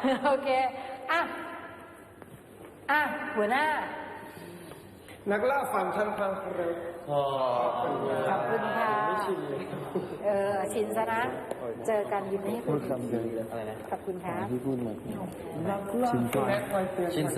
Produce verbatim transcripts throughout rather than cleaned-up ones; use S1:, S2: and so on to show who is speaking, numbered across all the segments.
S1: โอเคอ่ะอ่ะหัวหน้า
S2: นักล่าฝันทันพังเร็ว
S1: ขอบคุณค่ะเออชินซะนะเจอกันยิ้มให้คุณอะไรนะขอบคุณครับที่พูดมาชินซะชินซะ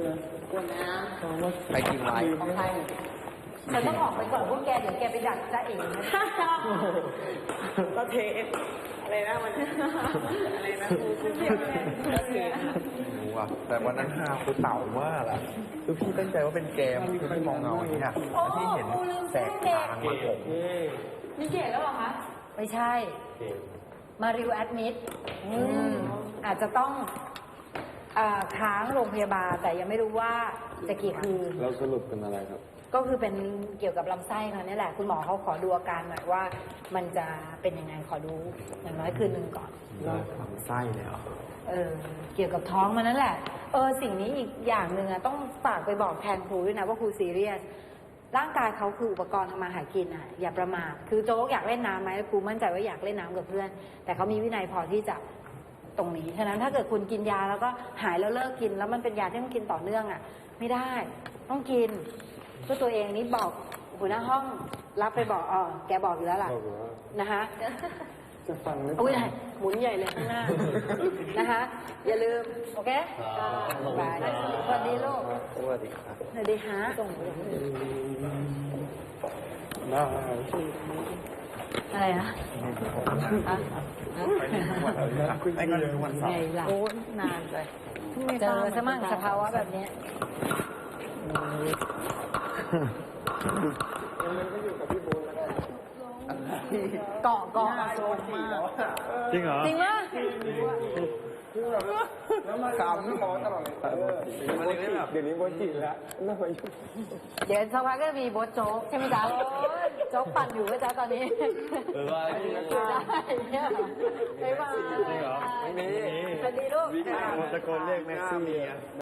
S3: ไปกินไว้
S1: ของไทยฉันต้องออกไปก่อนพวกแกเดี๋ยวแกไปดักจ้าเองนะ
S2: ก็เทอะไรนะมันอะไรนะก็เท
S3: รู้ว่ะแต่วันนั้นฮาคือเต่ามากอะคือพี่ตั้งใจว่าเป็นเกมคือพี่มองเงาอย่างนี้นะแล้วพี่เห็นแสงทางมาผม
S1: มีเกตแล้วเหรอคะไม่ใช่มาริวแอดมิดอาจจะต้องค้างโรงพยาบาลแต่ยังไม่รู้ว่าจะกี่คืน
S2: แล้วสรุปเป็นอะไรครับ
S1: ก็คือเป็นเกี่ยวกับลำไส้เขาเนี่ยแหละคุณหมอเขาขอดูอาการหน่อยว่ามันจะเป็นยังไงขอดูอย่างน้อยคืนหนึ่งก่อน
S3: ลำไส้เลยเหรอ
S1: เออเกี่ยวกับท้องมันนั่นแหละเออสิ่งนี้อีกอย่างหนึ่งอะต้องฝากไปบอกแทนครูด้วยนะว่าครูซีเรียสร่างกายเขาคืออุปกรณ์ทำมาหากินอะอย่าประมาทคือโจ๊กอยากเล่นน้ำไหมครูมั่นใจว่าอยากเล่นน้ำกับเพื่อนแต่เขามีวินัยพอที่จะตรงนี้ฉะนั้นถ้าเกิดคุณกินยาแล้วก็หายแล้วเลิกกินแล้วมันเป็นยาที่ต้องกินต่อเนื่องอะไม่ได้ต้องกินเพื่อตัวเองนี้บอกหัวหน้าห้องรับไปบอกอ๋อแกบอกอยู่แล้วล่ะนะคะ
S2: จะฟังไหม
S1: อุ้ยหมุนใหญ่เลยข้างหน้านะคะอย่าลืมโอเคบายสวัสดีลูก
S3: สวัสดีครับ
S1: สวัสดีฮะส่ง
S2: ได้
S1: อะไรนะ
S3: ไอ้ก็เลยวันเสาร์
S1: ไงล่ะโอ้นานเลยเจอสมั่งสภาวะแบบนี้เกาะเกาะโซนมาก
S3: จริงเหรอ
S1: จริงไหม
S2: แล้วมาสามหมอตลอดเลยเดี๋ยวนี้โบจิแล้วน่าไปยุ่ง
S1: เดี๋ยวสักพักก็มีโบ๊ทโจ๊กใช่ไหมจ๊ะโจ๊กปั่นอยู่ไหมจ๊ะตอนนี้
S3: เออว่า
S1: ได้เนี่ยไม่ว่า
S3: จริงเหรอไม่มี
S1: สวัสดีลูก
S3: ตะโกนเรียกแม็กซี่